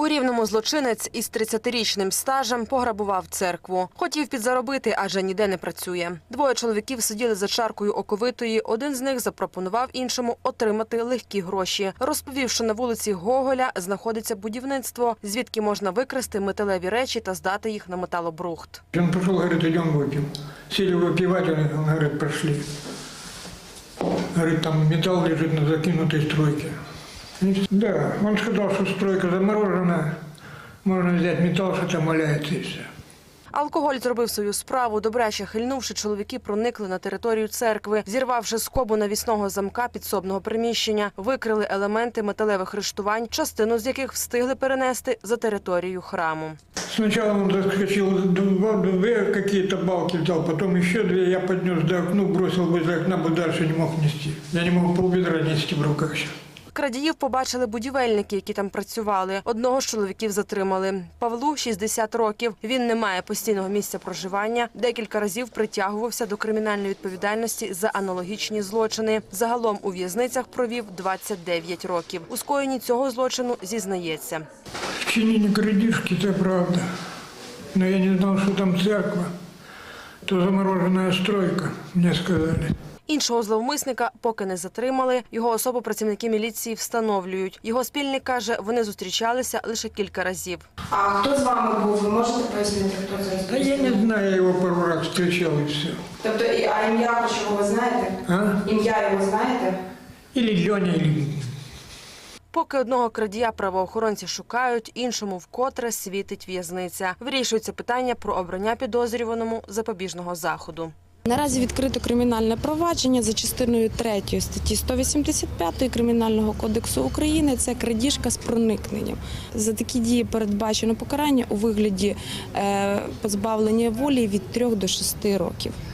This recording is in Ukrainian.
У Рівному злочинець із 30-річним стажем пограбував церкву. Хотів підзаробити, адже ніде не працює. Двоє чоловіків сиділи за чаркою оковитої. Один з них запропонував іншому отримати легкі гроші. Розповів, що на вулиці Гоголя знаходиться будівництво, звідки можна викрасти металеві речі та здати їх на металобрухт. Він пішов, говорить, йдемо вип'ємо. Сіли випивати, він говорить, прийшли. Говорит, там металл лежит на закинутой стройке. Да, он сказал, что стройка заморожена, можно взять металл, что там валяется, и все. Алкоголь зробив свою справу. Добряче хильнувши, чоловіки проникли на територію церкви. Зірвавши скобу навісного замка підсобного приміщення, викрили елементи металевих рештувань, частину з яких встигли перенести за територію храму. Сначала он заскочил, две какие-то балки взял, потом еще две, я поднес до окна, бросил возле окна, бы дальше не мог нести. Я не мог полбедра нести в руках сейчас. Крадіїв побачили будівельники, які там працювали. Одного з чоловіків затримали. Павлу 60 років. Він не має постійного місця проживання. Декілька разів притягувався до кримінальної відповідальності за аналогічні злочини. Загалом у в'язницях провів 29 років. У скоєнні цього злочину зізнається. Вчинение крадежки, это правда. Но я не знал, что там церковь. То замороженная стройка, мне сказали. Іншого зловмисника поки не затримали. Його особу працівники міліції встановлюють. Його спільник каже, вони зустрічалися лише кілька разів. А хто з вами був? Ви можете пояснити, хто це? Да я не знаю, я его пару раз встречал и все. Тобто, а ім'я його ви знаєте? А? Ім'я його знаєте? Или Леня, или... Поки одного крадія правоохоронці шукають, іншому вкотре світить в'язниця. Вирішується питання про обрання підозрюваному запобіжного заходу. Наразі відкрито кримінальне провадження за частиною 3 статті 185 Кримінального кодексу України – це крадіжка з проникненням. За такі дії передбачено покарання у вигляді позбавлення волі від 3 до 6 років.